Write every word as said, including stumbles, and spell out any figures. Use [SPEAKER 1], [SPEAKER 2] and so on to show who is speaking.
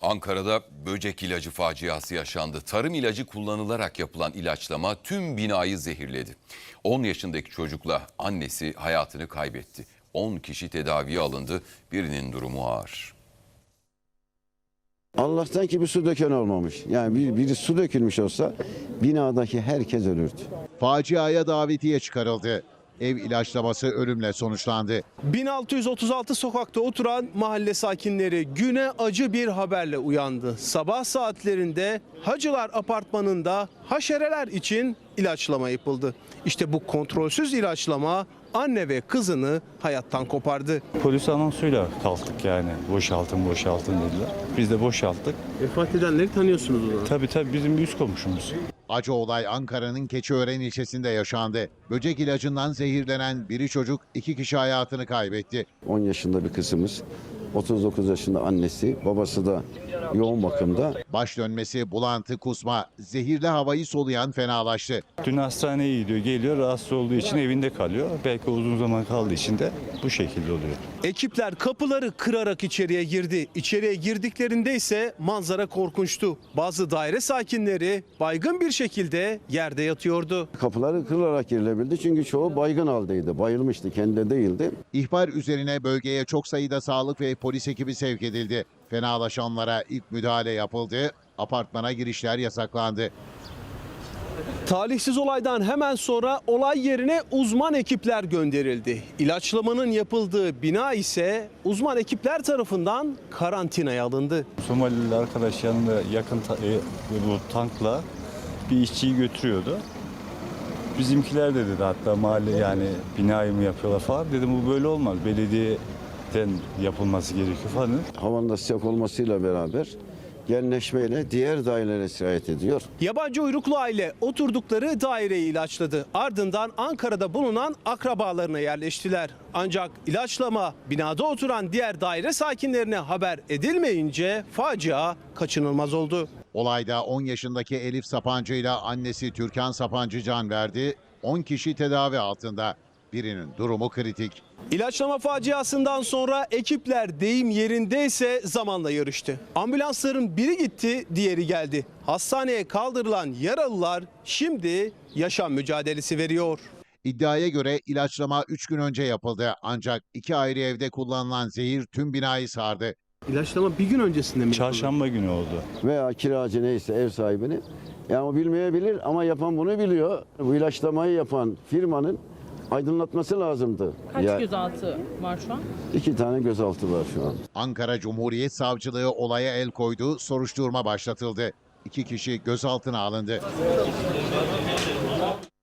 [SPEAKER 1] Ankara'da böcek ilacı faciası yaşandı. Tarım ilacı kullanılarak yapılan ilaçlama tüm binayı zehirledi. on yaşındaki çocukla annesi hayatını kaybetti. on kişi tedaviye alındı. Birinin durumu ağır.
[SPEAKER 2] Allah'tan ki bir su döken olmamış. Yani bir, biri su dökülmüş olsa binadaki herkes ölürdü.
[SPEAKER 3] Faciaya davetiye çıkarıldı. Ev ilaçlaması ölümle sonuçlandı.
[SPEAKER 4] bin altı yüz otuz altı sokakta oturan mahalle sakinleri güne acı bir haberle uyandı. Sabah saatlerinde Hacılar Apartmanı'nda haşereler için ilaçlama yapıldı. İşte bu kontrolsüz ilaçlama anne ve kızını hayattan kopardı.
[SPEAKER 5] Polis anonsuyla kalktık yani. Boşaltın boşaltın dediler. Biz de boşalttık.
[SPEAKER 4] Vefat edenleri tanıyorsunuz o zaman.
[SPEAKER 5] Tabii tabii bizim bir üst komşumuz.
[SPEAKER 3] Acı olay Ankara'nın Keçiören ilçesinde yaşandı. Böcek ilacından zehirlenen biri çocuk, iki kişi hayatını kaybetti.
[SPEAKER 2] on yaşında bir kızımız, otuz dokuz yaşında annesi, babası da yoğun bakımda.
[SPEAKER 3] Baş dönmesi, bulantı, kusma, zehirli havayı soluyan fenalaştı.
[SPEAKER 5] Dün hastaneye gidiyor, geliyor, rahatsız olduğu için evinde kalıyor. Belki uzun zaman kaldığı için de bu şekilde oluyor.
[SPEAKER 4] Ekipler kapıları kırarak içeriye girdi. İçeriye girdiklerinde ise manzara korkunçtu. Bazı daire sakinleri baygın bir şekilde yerde yatıyordu.
[SPEAKER 2] Kapıları kırılarak girilebildi çünkü çoğu baygın haldeydi. Bayılmıştı, kendi değildi.
[SPEAKER 3] İhbar üzerine bölgeye çok sayıda sağlık ve polis ekibi sevk edildi. Fenalaşanlara ilk müdahale yapıldı. Apartmana girişler yasaklandı.
[SPEAKER 4] Talihsiz olaydan hemen sonra olay yerine uzman ekipler gönderildi. İlaçlamanın yapıldığı bina ise uzman ekipler tarafından karantinaya alındı.
[SPEAKER 5] Somalili arkadaş yanında yakın ta- e, bu tankla bir işçiyi götürüyordu. Bizimkiler de dedi hatta mahalle yani binayı mı yapıyorlar falan. Dedim bu böyle olmaz. Belediyeden yapılması gerekiyor falan.
[SPEAKER 2] Havanın da sıcak olmasıyla beraber genleşmeyle diğer dairelere sirayet ediyor.
[SPEAKER 4] Yabancı uyruklu aile oturdukları daireyi ilaçladı. Ardından Ankara'da bulunan akrabalarına yerleştiler. Ancak ilaçlama binada oturan diğer daire sakinlerine haber edilmeyince facia kaçınılmaz oldu.
[SPEAKER 3] Olayda on yaşındaki Elif Sapancı ile annesi Türkan Sapancı can verdi. on kişi tedavi altında. Birinin durumu kritik.
[SPEAKER 4] İlaçlama faciasından sonra ekipler deyim yerindeyse zamanla yarıştı. Ambulansların biri gitti, diğeri geldi. Hastaneye kaldırılan yaralılar şimdi yaşam mücadelesi veriyor.
[SPEAKER 3] İddiaya göre ilaçlama üç gün önce yapıldı. Ancak iki ayrı evde kullanılan zehir tüm binayı sardı.
[SPEAKER 4] İlaçlama bir gün öncesinde mi?
[SPEAKER 5] Çarşamba günü oldu.
[SPEAKER 2] Veya kiracı neyse ev sahibini. Yani o bilmeyebilir ama yapan bunu biliyor. Bu ilaçlamayı yapan firmanın aydınlatması lazımdı.
[SPEAKER 6] Kaç
[SPEAKER 2] Ya,
[SPEAKER 6] gözaltı var şu an?
[SPEAKER 2] iki tane gözaltı var şu an.
[SPEAKER 3] Ankara Cumhuriyet Savcılığı olaya el koydu, soruşturma başlatıldı. İki kişi gözaltına alındı.